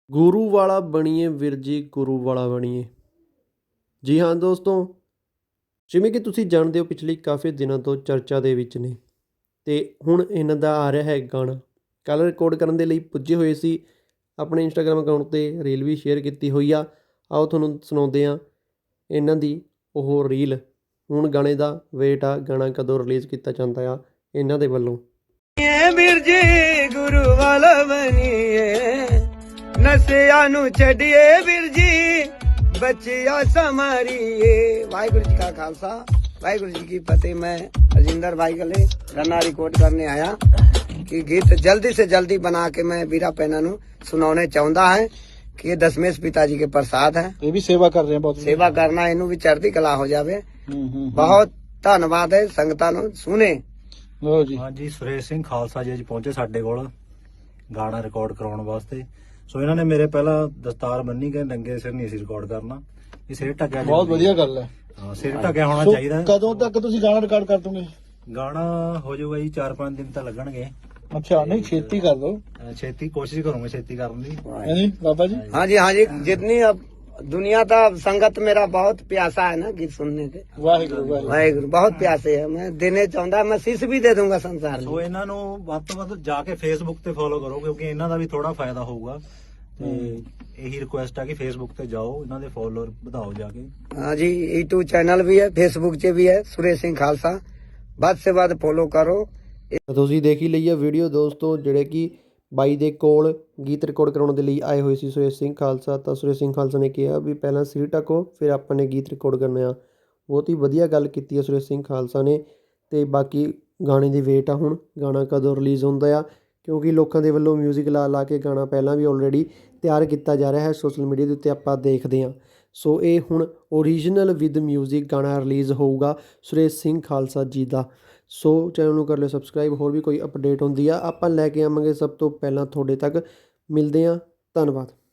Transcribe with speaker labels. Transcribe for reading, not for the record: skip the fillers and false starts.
Speaker 1: ਗੁਰੂ ਵਾਲਾ ਬਣੀਏ ਵੀਰ ਜੀ, ਗੁਰੂ ਵਾਲਾ ਬਣੀਏ। ਜੀ ਹਾਂ ਦੋਸਤੋ, ਜਿਵੇਂ ਕਿ ਤੁਸੀਂ ਜਾਣਦੇ ਹੋ ਪਿਛਲੇ ਕਾਫੀ ਦਿਨਾਂ ਤੋਂ ਚਰਚਾ ਦੇ ਵਿੱਚ ਨੇ ਅਤੇ ਹੁਣ ਇਹਨਾਂ ਦਾ ਆ ਰਿਹਾ ਹੈ ਗਾਣਾ। ਕੱਲ੍ਹ ਰਿਕਾਰਡ ਕਰਨ ਦੇ ਲਈ ਪੁੱਜੇ ਹੋਏ ਸੀ, ਆਪਣੇ ਇੰਸਟਾਗ੍ਰਾਮ ਅਕਾਊਂਟ 'ਤੇ ਰੀਲ ਵੀ ਸ਼ੇਅਰ ਕੀਤੀ ਹੋਈ ਆ। ਆਓ ਤੁਹਾਨੂੰ ਸੁਣਾਉਂਦੇ ਹਾਂ ਇਹਨਾਂ ਦੀ ਉਹ ਰੀਲ। ਹੁਣ ਗਾਣੇ ਦਾ ਵੇਟ ਆ, ਗਾਣਾ ਕਦੋਂ ਰਿਲੀਜ਼ ਕੀਤਾ ਜਾਂਦਾ ਆ ਇਹਨਾਂ ਦੇ ਵੱਲੋਂ।
Speaker 2: ਵੀਰ ਜੀ ਗੁਰੂ ਵਾਲਾ ਬਣੀਏ, ਨਸ਼ਿਆਂ ਨੂੰ ਛੱਡੀਏ ਵੀਰ ਜੀ, ਬੱਚਿਆ ਸਮਾਰੀਏ। ਵਾਹਿਗुरु जी का खालसा, वाहिगुरु जी की फतेह। मैं राजिंदर भाई गले गाना रिकॉर्ड करने आया कि गीत जल्दी से जल्दी बना के मैं वीरा पैना नू सुनाने चाहता है कि ये दशमेश पिताजी के प्रसाद है।
Speaker 3: ये भी सेवा कर रहे हैं, बहुत
Speaker 2: सेवा करना इनू भी चढ़ती कला हो जावे। बहुत धन्यवाद है संगतां नू सुने।
Speaker 3: ਲਓ ਜੀ।
Speaker 4: ਹਾਂਜੀ, ਸੁਰੇਸ਼ ਸਿੰਘ ਖਾਲਸਾ ਜੀ ਅੱਜ ਪਹੁੰਚੇ ਸਾਡੇ ਕੋਲ ਗਾਣਾ ਰਿਕਾਰਡ ਕਰਾਉਣ ਵਾਸਤੇ। ਸੋ ਇਹਨਾਂ ਨੇ ਮੇਰੇ ਪਹਿਲਾਂ ਦਸਤਾਰ ਬੰਨੀ ਕਿ ਨੰਗੇ ਸਿਰ ਨਹੀਂ ਸੀ ਰਿਕਾਰਡ ਕਰਨਾ, ਇਹ ਸਿਰ ਢੱਕਿਆ
Speaker 3: ਬਹੁਤ ਵਧੀਆ ਗੱਲ ਹੈ।
Speaker 4: ਹਾਂ, ਸਿਰ ਢੱਕਿਆ ਹੋਣਾ
Speaker 3: ਸੋ
Speaker 4: ਚਾਹੀਦਾ।
Speaker 3: ਕਦੋਂ ਤੱਕ ਤੁਸੀਂ ਗਾਣਾ ਰਿਕਾਰਡ ਕਰ ਦੋਗੇ?
Speaker 4: ਗਾਣਾ ਹੋ ਜਾਊਗਾ ਜੀ 4-5 ਦਿਨ ਤਾਂ ਲੱਗਣਗੇ।
Speaker 3: ਅੱਛਾ, ਨਹੀਂ ਛੇਤੀ ਕਰ ਦੋ।
Speaker 4: ਛੇਤੀ ਕੋਸ਼ਿਸ਼ ਕਰੂੰਗਾ ਛੇਤੀ ਕਰਨ ਦੀ।
Speaker 3: ਨਹੀਂ ਬਾਬਾ ਜੀ?
Speaker 2: हाँ जी हाँ जी, जितनी अब दुनिया का संगत मेरा बहुत प्यासा है ना गीत सुनने के।
Speaker 3: ਵਾਹਿਗੁਰੂ ਵਾਹਿਗੁਰੂ।
Speaker 2: वाहिगुरु बहुत प्यासे है, मैं देने चाहता, मैं शीश भी दे दूंगा संसार
Speaker 4: ਸੋ
Speaker 2: में।
Speaker 4: ਇਹਨਾਂ ਨੂੰ ਵੱਧ ਤੋਂ ਵੱਧ ਜਾ ਕੇ ਫੇਸਬੁੱਕ ਤੇ ਫੋਲੋ ਕਰੋ, ਕਿਉਂਕਿ ਇਹਨਾਂ ਦਾ ਵੀ ਥੋੜਾ ਫਾਇਦਾ ਹੋਊਗਾ। ਤੇ ਇਹੀ ਰਿਕੁਐਸਟ ਆ ਕਿ ਫੇਸਬੁੱਕ ਤੇ ਜਾਓ, ਇਹਨਾਂ ਦੇ ਫੋਲੋਅਰ ਵਧਾਓ ਜਾ ਕੇ।
Speaker 2: हाँ जी, यूट्यूब चैनल भी है, फेसबुक से भी है, सुरेश सिंह खालसा। ਵੱਧ से ਵੱਧ फॉलो करो।
Speaker 1: ਤੁਸੀਂ ਦੇਖ ਹੀ ਲਈ ਆ ਵੀਡੀਓ ਦੋਸਤੋ, ਜਿਹੜੇ ਕਿ ਬਾਈ ਦੇ ਕੋਲ ਗੀਤ ਰਿਕਾਰਡ ਕਰਾਉਣ ਦੇ ਲਈ ਆਏ ਹੋਏ ਸੀ ਸੁਰੇਸ਼ ਸਿੰਘ ਖਾਲਸਾ। ਤਾਂ ਸੁਰੇਸ਼ ਸਿੰਘ ਖਾਲਸਾ ਨੇ ਕਿਹਾ ਵੀ ਪਹਿਲਾਂ ਸਿਰ ਢੱਕੋ, ਫਿਰ ਆਪਾਂ ਨੇ ਗੀਤ ਰਿਕਾਰਡ ਕਰਨਾ ਆ। ਬਹੁਤ ਹੀ ਵਧੀਆ ਗੱਲ ਕੀਤੀ ਹੈ ਸੁਰੇਸ਼ ਸਿੰਘ ਖਾਲਸਾ ਨੇ। ਅਤੇ ਬਾਕੀ ਗਾਣੇ ਦੀ ਵੇਟ ਆ ਹੁਣ, ਗਾਣਾ ਕਦੋਂ ਰਿਲੀਜ਼ ਹੁੰਦਾ ਆ, ਕਿਉਂਕਿ ਲੋਕਾਂ ਦੇ ਵੱਲੋਂ ਮਿਊਜ਼ਿਕ ਲਾ ਕੇ ਗਾਣਾ ਪਹਿਲਾਂ ਵੀ ਆਲਰੇਡੀ ਤਿਆਰ ਕੀਤਾ ਜਾ ਰਿਹਾ ਹੈ ਸੋਸ਼ਲ ਮੀਡੀਆ ਦੇ ਉੱਤੇ, ਆਪਾਂ ਦੇਖਦੇ ਹਾਂ। ਸੋ ਇਹ ਹੁਣ ਓਰੀਜਨਲ ਵਿਦ ਮਿਊਜ਼ਿਕ ਗਾਣਾ ਰਿਲੀਜ਼ ਹੋਊਗਾ ਸੁਰੇਸ਼ ਸਿੰਘ ਖਾਲਸਾ ਜੀ ਦਾ। ਸੋ ਚੈਨਲ ਨੂੰ ਕਰ ਲਿਓ ਸਬਸਕ੍ਰਾਈਬ। ਹੋਰ ਵੀ ਕੋਈ ਅਪਡੇਟ ਹੁੰਦੀ ਆ ਆਪਾਂ ਲੈ ਕੇ ਆਵਾਂਗੇ ਸਭ ਤੋਂ ਪਹਿਲਾਂ ਤੁਹਾਡੇ ਤੱਕ। ਮਿਲਦੇ ਹਾਂ, ਧੰਨਵਾਦ।